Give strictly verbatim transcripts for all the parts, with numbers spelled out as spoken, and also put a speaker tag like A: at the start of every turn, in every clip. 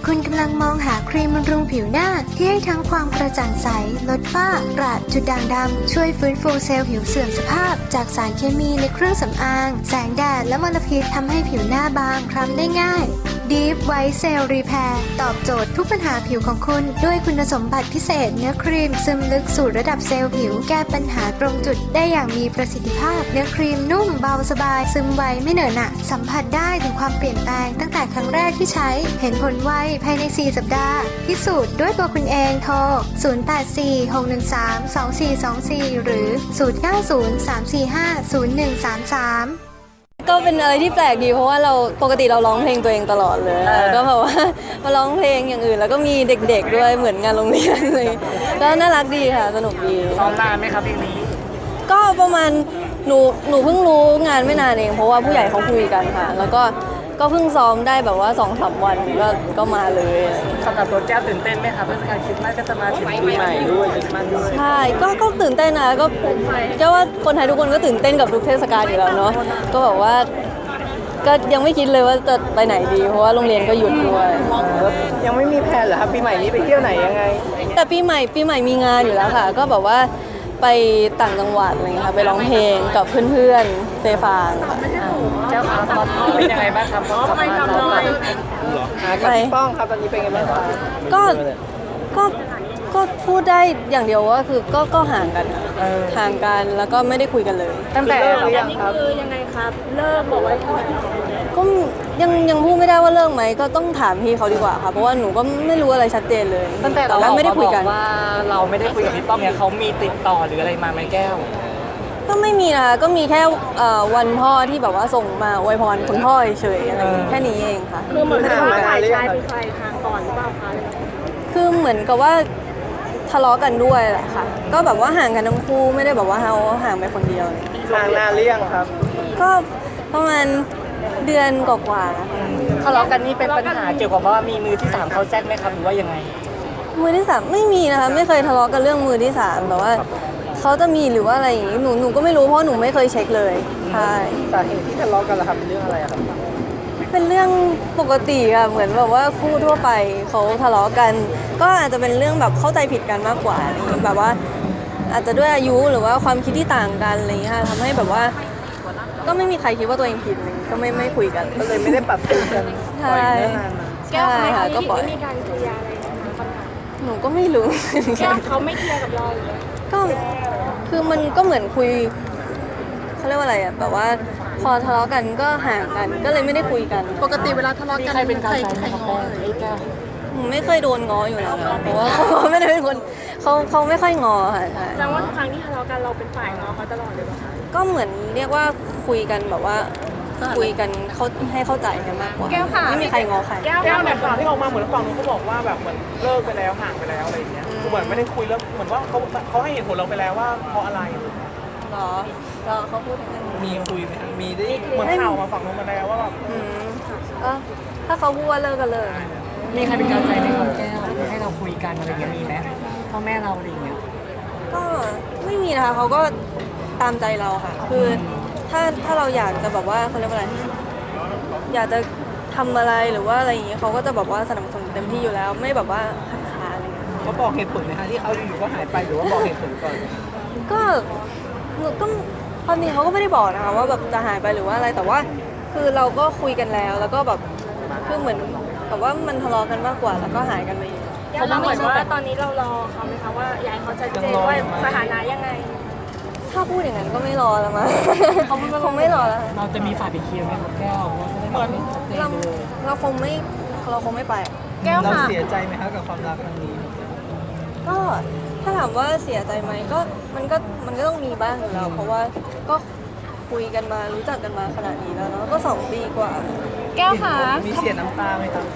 A: คุณกำลังมองหาครีมบำรุงผิวหน้าที่ให้ทั้งความกระจ่างใสลดฝ้ากระจุดด่างดำช่วยฟื้นฟูเซลล์ผิวเสื่อมสภาพจากสารเคมีในเครื่องสำอางแสงแดดและมลพิษทำให้ผิวหน้าบางคล้ำได้ง่าย Deep White Cell Repair ตอบโจทย์ทุกปัญหาผิวของคุณด้วยคุณสมบัติพิเศษเนื้อครีมซึมลึกสู่ระดับเซลล์ผิวแก้ปัญหาตรงจุดได้อย่างมีประสิทธิภาพเนื้อครีมนุ่มเบาสบายซึมไวไม่เหนอะหนะสัมผัสได้ถึงความเปลี่ยนแปลงตั้งแต่ครั้งแรกที่ใช้เห็นผลไวภายในสี่สัปดาห์พิสูจน์ด้วยตัวคุณเองโทรศูนย์ แปด สี่ หก หนึ่ง สาม สอง สี่ สอง สี่ หรือศูนย์ เก้า ศูนย์ สาม สี่ ห้า ศูนย์ หนึ่ง สาม สาม
B: ก็เป็นอะไรที่แปลกดีเพราะว่าเราปกติเราร้องเพลงตัวเองตลอดเลยก็แบบว่ามาร้องเพลงอย่างอื่นแล้วก็มีเด็กๆด้วยเหมือนงานโรงเรียนเลยก็น่ารักดีค่ะสนุกดี
C: ซ้อมนานไหมครับเพลงนี้
B: ก็ประมาณหนูหนูเพิ่งรู้งานไม่นานเองเพราะว่าผู้ใหญ่เขาคุยกันค่ะแล้วก็ก็เพิ่งซ้อมได้แบบว่า สองสาม วันก็ก็มาเลย
C: สำหรับตัวแก้วตื่นเต้นไหมครับเทศกาลคริสต์มาสก็จะมาถึงปีใหม่ด้วยคริสต์มาสด้วย
B: ใช่ก็ก็ตื่นเต้นนะก็แก้วว่าคนไทยทุกคนก็ตื่นเต้นกับทุกเทศกาลอยู่แล้วเนาะก็แบบว่าก็ยังไม่คิดเลยว่าจะไปไหนดีเพราะว่าโรงเรียนก็หยุดด้วย
C: ยังไม่มีแผนเหรอครับปีใหม่นี้ไปเที่ยวไหนยังไง
B: แต่ปีใหม่ปีใหม่มีงานอยู่แล้วค่ะก็แบบว่าไปต่างจังหวัดอะไรเงี้ยค่ะไปร้องเพลงกับเพื่อนๆเซฟางค่ะ
C: เจ้าครับตอนนี้เป็นยังไงบ้างครับขับมาทำอะไรไปป้องครับตอนนี้เป็นยังไงบ้าง
B: ก็ก็ก็พูดได้อย่างเดียวว่าคือก็ก็ห่างกันห่างกันแล้วก็ไม่ได้คุยกันเลย
C: ตั้งแต่เลิกยังครับ
D: คือยังไงครับเลิกบอกไว้
B: ก็ยังยังพูดไม่ได้ว่าเลิกไหมก็ต้องถามพี่เขาดีกว่าค่ะเพราะว่าหนูก็ไม่รู้อะไรชัดเจนเลย
C: ตั้งแต่เราไม่ได้คุยกันว่าเราไม่ได้คุยกับพี่ป้องเนี่ยเขามีติดต่อหรืออะไรมาไหมแก้ว
B: ก็ไม่มีนะก็มีแค่วันพ่อที่แบบว่าส่งมาอวยพรคุณพ่อเฉยๆอะไรแค่นี้เองค่ะ
D: คือเหมือนกับว่าฝ่ายชายเป็นใครทางก่อนหรือเปล่าคะ
B: คือเหมือนกับว่าทะเลาะกันด้วยแหละค่ะก็แบบว่าห่างกันทั้งคู่ไม่ได้แบบว่าเขาห่างไปคนเดียวเลย
C: ห่างนานหรือยังครับ
B: ก็ประมาณเดือนกว่าๆนะคะ
C: ทะเลาะกันนี่เป็นปัญหาเกี่ยวกับว่ามีมือที่สามเขาแทรกไหมครับหรือว่ายังไง
B: มือที่สามไม่มีนะคะไม่เคยทะเลาะกันเรื่องมือที่สามแต่ว่าเขาจะมีหรือว่าอะไรอย่างนี้หนูหนูก็ไม่รู้เพราะหนูไม่เคยเช็คเลยใช่
C: สาเหตุที่ทะเลาะกันล่ะครับเป็นเรื่องอะไรครับ
B: เป็นเรื่องปกติค่ะเหมือนแบบว่าคู่ทั่วไปเขาทะเลาะกันก็อาจจะเป็นเรื่องแบบเข้าใจผิดกันมากกว่าอะไรอย่างนี้แบบว่าอาจจะด้วยอายุหรือว่าความคิดที่ต่างกันอะไรอย่างนี้ค่ะทำให้แบบว่าก็ไม่มีใครคิดว่าตัวเองผิดก็ไม่ไม่คุยกัน
C: ก็เลยไม่ได้ปรับตัวกัน
B: ใช่
D: แก้วค่ะก็ปล่อยมีการเคลียร์อะไร
B: หนูก็ไม่รู้
D: แก้วเขาไม่เคลียร์กับเราหรือ
B: ก็คือมันก็เหมือนคุยเขาเรียกว่าอะไรอ่ะแบบว่าพอทะเลาะกันก็ห่างกันก็เลยไม่ได้คุยกัน
D: ปกติเวลาทะเลาะกัน
C: ใครเป็นใครใครง้อ
B: ไม่เคยโดนง้ออยู่แล้วค่ะเพราะว่าเขาไม่ได้เป็นคนเขาเขาไม่ค่อยง้อค่ะใช่
D: แสดงว่าทุกครั้งที่ทะเลาะกันเราเป็นฝ่ายง้อเขาตลอดเลยป่ะคะ
B: ก็เหมือนเรียกว่าคุยกันแบบว่าคุยกันเขาให้เข้าใจกันมากกว่าไม่มีใครง้อใคร
C: แก้วเนี่ยข่าวที่ออกมาเหมือนฝั่งนู้นเขาบอกว่าแบบเหมือนเลิกไปแล้วห่างไปแล้วอะไรอย่างเงี้ยคือเหมือนไม่ได้คุยแล้วเหมือนว่าเขาเขาให้เหตุผลเราไปแล้วว่าเพราะอะไร
B: หรอก็เขาพูดอย่างนั้น
C: มีคุยไหมมีได้เหมือนข่าวมาฝั่งนู้นมาแล้วว่าแบบ
B: ก็ถ้าเขาพูดว่าเลิกก็เลิก
C: มีใครเป็นกำลังใจในคำแก้วให้เราคุยกันอะไรเงี้ยมีไหมพ่อแม่เราอะไรเงี้ย
B: ก็ไม่มีนะคะเขาก็ตามใจเราค่ะคือถ้าถ้าเราอยากจะแบบว่าเขาเรียกว่าอะไรอยากจะทำอะไรหรือว่าอะไรอย่างเงี้ยเขาก็จะแบบว่าสนับสนุนเต็มที่อยู่แล้วไม่แบบว่าขัดขาอะไร
C: เขาบอกเหตุผลไหมคะที่เขาอยู่ๆก็หายไปหรือว่าบอกเหตุผลก่อน
B: ก็ก็ความจริงเขาก็ไม่ได้บอกนะคะว่าแบบจะหายไปหรือว่าอะไรแต่ว่าคือเราก็คุยกันแล้วแล้วก็แบบคือเหมือนกับว่ามันทะเลาะกันมากกว่าแล้วก็หายกันไป
D: เขาบอกว่าตอนนี้เรารอเขาไหมคะว่าอยากเขาจะเจนว่าสถานะยังไง
B: ถ้าพูดอย่างนั้นก็ไม่รอแล้วมั้งเขาคงไม่รอแล้ว
C: เราจะมีฝ่ายไปเคลียร์ไหมครับแก้วเหมือน
B: เราเราคงไม่เราคงไม่ไป
C: แก้วเราเสียใจไหมคะกับความรักครั้งนี้
B: ก็ถ้าถามว่าเสียใจไหมก็มันก็มันก็ต้องมีบ้างอยู่แล้วเพราะว่าก็คุยกันมารู้จักกันมาขนาดนี้แล้วเนาะก็สองปีกว่า
D: แก้วค่ะ
C: มีเสียน้ำตาไหมครับ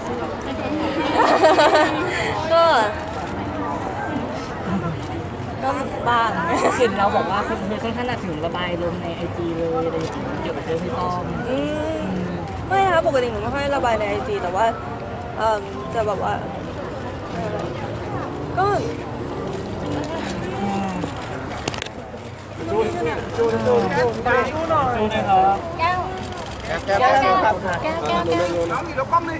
B: ก็ก็บ้าง
C: เห็นเราบอกว่าคือค่อนข้างถึงระบายลงในไอจีเลยอะไรอย่างเงี้ยเกี่ยวกับเรื่องพี่ต้อม
B: ไม่ค่ะปกติหนูไม่ค่อยระบายในไอจีแต่ว่าจะแบบว่าก็
C: จูนจูนจูนจูนจูนจูนหน่อยจูนนะครับ
D: แก้ว
C: แก้วแก้วครับ
D: แก้วแก้วแก้ว
C: น้องมีแล้วกล้องเลย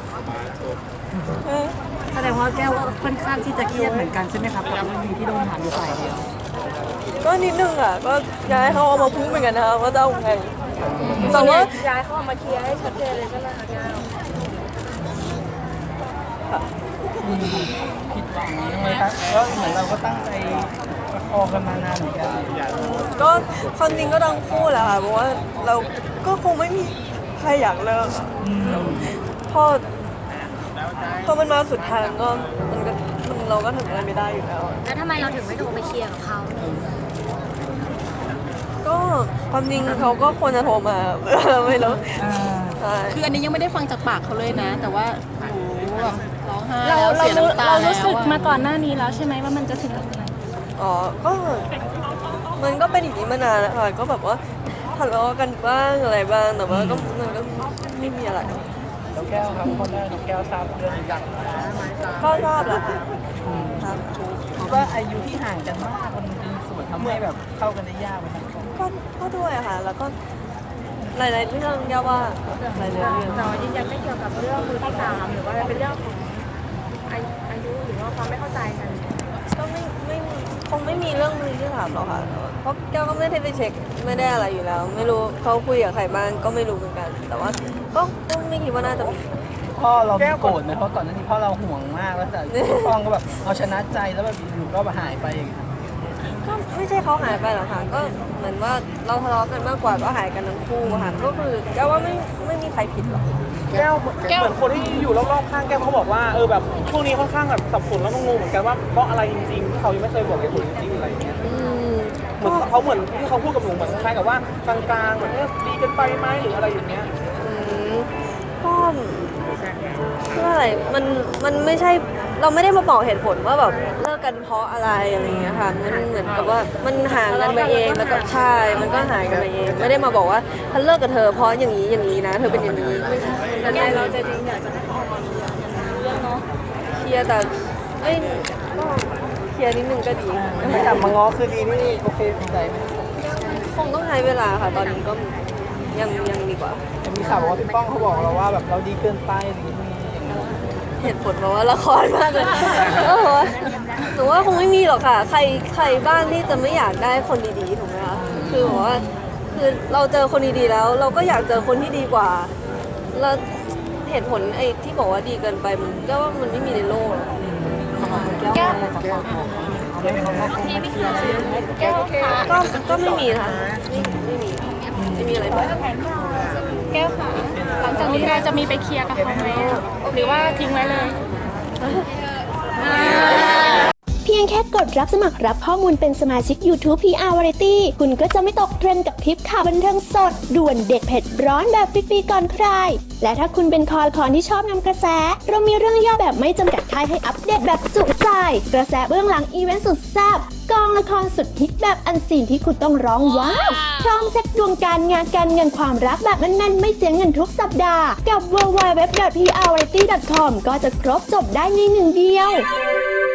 E: แสดงว่าแก้วก็ค่อนข้างที่จะเครียดเหมือนกันใช่ไหมครับกับเรื่องนี้ที่โดนถามอยู่ฝ่ายเดียว
B: ก็นิดนึงอ่ะก็อยากให้เขาเอามาพูดเหมือนกันนะคะว่าจะเอาไงแต่ว่า
D: ย้ายเขาออกมาเคลียร์ให้ชัดเจนเลยใช่ไหมคะแก้ว
E: ผิดหวังใช่ไหมครับก็เหมือนเราก็ตั้งใจประคองกันมานานเหมือนกัน
B: ก็ความจริงก็ต้องคู่แหละค่ะเพราะว่าเราก็คงไม่มีใครอยากเลิกอะพอพอมันมาสุดทางก็มันก็มันเราก็ทำอะไรไม่ได้อยู่แล้วอะ
D: แล้วทำไมเราถึงไม่โทรไปเคลียร์กับเขา
B: ก็ความจริงเขาก็ควรจะโทรมา ไม่รู้ใช่
F: คืออันนี้ยังไม่ได้ฟังจากปากเขาเลยนะ แต่ว่าหนูแบบร้องไห้
D: เรา
F: แล้ว
D: เรา
F: เสีย
D: รู้
F: น้ำตา
D: เรา
F: แล้ว
D: รู้สึก
F: อะ
D: มาก่อนหน้านี้แล้วใช่ไหมว่ามันจะถึงตรงไหน
B: อ๋อก็มันก็เป็นอย่างนี้มานานแล้วค่ะก็แบบว่าทะเลาะกันบ้างอะไรบ้างแต่ว่าก็มันก็ไม่มีอะไร
E: น้องแก้วครับคนได้น้องแก้วทราบเรื่องอย่าง
B: ก็ทราบแล้วค่ะครับ
E: คิดว่าอายุที่ห่างกันมากมันเป็นส่วนทำให้แบบเข้ากันได้ยากไหมครับ
B: ก็ก็ด้วยอะค่ะ แล้วก็หลายๆเรื่องย่าว่าหลายๆเรื่อง
D: เรายืนยันไม่เกี่ยวกับเรื่องมือที่สามหรือว่าเป็นเรื่องของอายุอายุหรือว่าความไม่เข้าใจกัน
B: ก็ไม่ไม่คงไม่มีเรื่องมือที่ถามหรอกค่ะเพราะแก้วก็ไม่ได้ไปเช็คไม่ได้อะไรอยู่แล้ว ไม่รู้เขาคุยกับใครบ้างก็ไม่รู้เหมือนกัน แต่ว่าก็ก็ไม่คิดว่าน่าจะมี
E: พ่อเราโกรธไหมเพราะก่อนหน้านี้พ่อเราห่วงมากแล้วแต่พ่อก็แบบเอาชนะใจแล้วแบบอยู่ก็หายไปอย่างเงี้ย
B: ก็ไม่ใช่เขาหายไปหรอกค่ะก็เหมือนว่าเราทะเลาะกันมากกว่าก็หายกันทั้งคู่อะค่ะก็คือแก้วว่าไม่ไม่มีใครผิดหรอก
C: แก้วเหมือนคนที่อยู่รอบๆข้างแก้วเขาบอกว่าเออแบบช่วงนี้ค่อนข้างแบบสับสนแล้วก็งงเหมือนกันว่าเพราะอะไรจริงๆที่เขายังไม่เคยบอกเหตุผลจริงๆอะไรอย่างเงี้ย
B: อืม
C: เหมือนเขาเหมือนที่เขาพูดกับหนูเหมือนคล้ายๆกับว่ากลางๆเหมือนเอ๊ะดีกันไปไหมหรืออะไรอย่างเงี้ย
B: อืมก็เพื่ออะไรมันมันไม่ใช่เราไม่ได้มาบอกเหตุผลว่าแบบเลิกกันเพราะอะไรอะไรอย่างเงี้ยค่ะมันเหมือนกับว่ามันห่างกันไปเองแล้วก็ใช่มันก็หายกันไปเองไม่ได้มาบอกว่าฉันเลิกกับเธอเพราะอย่างนี้อย่างนี้นะเธอเป็นอย่างนี้ไม่ใช่
D: แล้วใจเราจะจริงอยากจะให้เขาออกมาเคลียร์เรื่องเนาะ
B: เคลียร์แต่เอ้ยก็เคลียร์นิดนึงก็ดี
E: ไม่กลับมาง้อคือดีนี่โอเคดีใจไหม
B: คงต้องใช้เวลาค่ะตอนนี้ก็ยังยังดีกว่า
E: แต่มีข่าวบอกว่าพี่ป้องเขาบอกเราว่าแบบเราดีเกินไปหรือมีอย่างเงี้ย
B: เหตุผลเพราะว่าละครมากเลยเออหนูว่าคงไม่มีหรอกค่ะ ใครใครบ้างที่จะไม่อยากได้คนดีๆถูกไหมคะคือบอกว่าคือเราเจอคนดีๆแล้ว เราก็อยากเจอคนที่ดีกว่าแล้วเหตุผลไอ้ที่บอกว่าดีเกินไปมันก็ว่ามันไม่มีในโลกหรอก
D: แก้ว
B: ก็ก็ไม่มีนะคะไม่ไม่มีไม่มีอะไรบ้าง
D: แก้วค่ะหลังจากนี้เราจะมีไปเคลียร์กับเขาไหมหรือว่าทิ้งไว้เลย
G: เพียงแค่กดรับสมัครรับข้อมูลเป็นสมาชิก YouTube พี อาร์ Variety คุณก็จะไม่ตกเทรนด์กับคลิปข่าวบันเทิงสด ด่วนเด็ดเผ็ดร้อนแบบฟรีๆก่อนใคร และถ้าคุณเป็นคอคอนที่ชอบนำกระแส เรามีเรื่องย่อแบบไม่จำกัดท้ายให้อัปเดตแบบจุใจ กระแสเบื้องหลังอีเวนต์สุดแซ่บกองละครสุดฮิตแบบอันซีนที่คุณต้องร้องว้าวพร้อมเซ็ตดวงการงานการเงินความรักแบบแน่นๆไม่เสียเงินทุกสัปดาห์กับ ดับเบิลยู ดับเบิลยู ดับเบิลยู ดอท พี อาร์ วาไรตี้ ดอท คอม ก็จะครบจบได้ในหนึ่งเดียว